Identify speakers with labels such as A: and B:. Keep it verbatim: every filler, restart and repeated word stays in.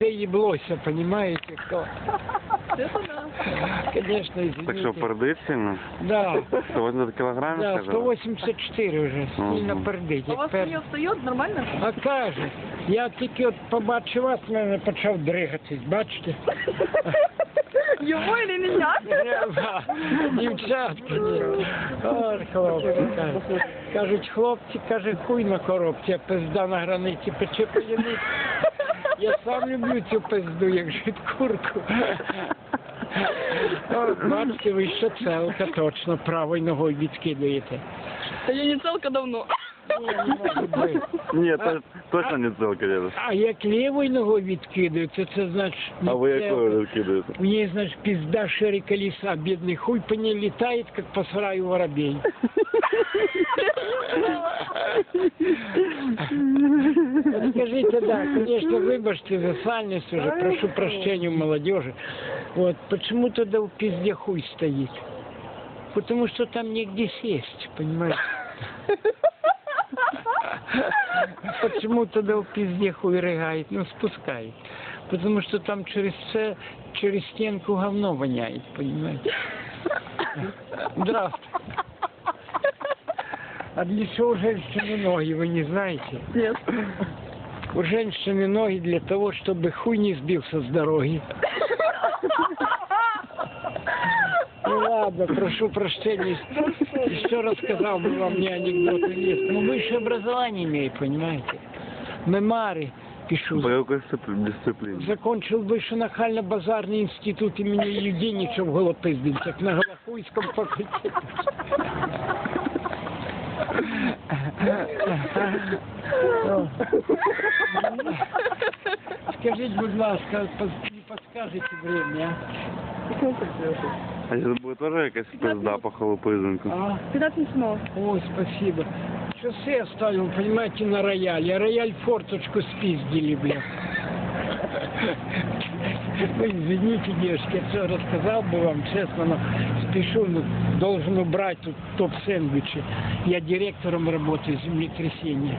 A: еблося, понимаете, кто?
B: Это да.
A: Конечно, извините.
C: Так что, пердить сильно?
A: Да.
C: сто восемьдесят килограмм,
A: Да,
C: сказали?
A: сто восемьдесят чотири вже, сильно
C: Мгм.
A: пердить.
B: А у вас
A: Як
B: не встает нормально?
A: А каже, я тільки от побачив вас, в мене почав дригатись, бачите?
B: Его или меня?
A: Да, дівчатки, ні. Ой, хлопці, кажуть. Кажуть, хлопці, каже, хуй на коробці, а пизда на границі пече п'яниць. Я сам люблю цю пизду, як жить курку. От, бачите, ви ще целка, точно, правою ногою відкидуєте.
B: Да я не целка давно.
A: Ні, не може бути.
C: Ні, то, точно не целка, дядя.
A: А як лівою ногою відкидується, це значить... не
C: А ви
A: целка.
C: якою кидаєте?
A: У ней, значит, пизда шире колеса, бедный хуй по ней летает, как по сараю воробей. Скажите, да, конечно, выбачьте за сальность уже, прошу прощения у молодежи. Вот, почему тогда в пизде хуй стоит? Потому что там негде сесть, понимаете? Почему тогда в пизде хуй рыгает? Ну, спускает. Потому что там через це, через стенку говно воняет, понимаете? Здравствуйте. А для чего у женщины ноги, вы не знаете?
B: Нет.
A: У женщины ноги для того, чтобы хуй не сбился с дороги. Ну ладно, прошу прощения, еще рассказал бы вам мне анекдоты есть. Ну высшее образование имею, понимаете? Мемары пишу.
C: По якій дисципліні?
A: Закончил вышенахально-базарный институт имени Юденича в Голопиздинцах на Голохуйском факультете. Скажите, будь ласка, не подскажете время,
C: А це буде теж якась пизда по холопизинку?
A: а? А?
B: пятнадцать минут.
A: Ой, спасибо. Часы оставил, понимаете, на рояле. А рояль форточку спиздили, бля. Ну, извините, девушки, я все рассказал бы вам, честно, но спешу, ну, должен убрать тут топ-сэндвичи. Я директором работаю землетрясения.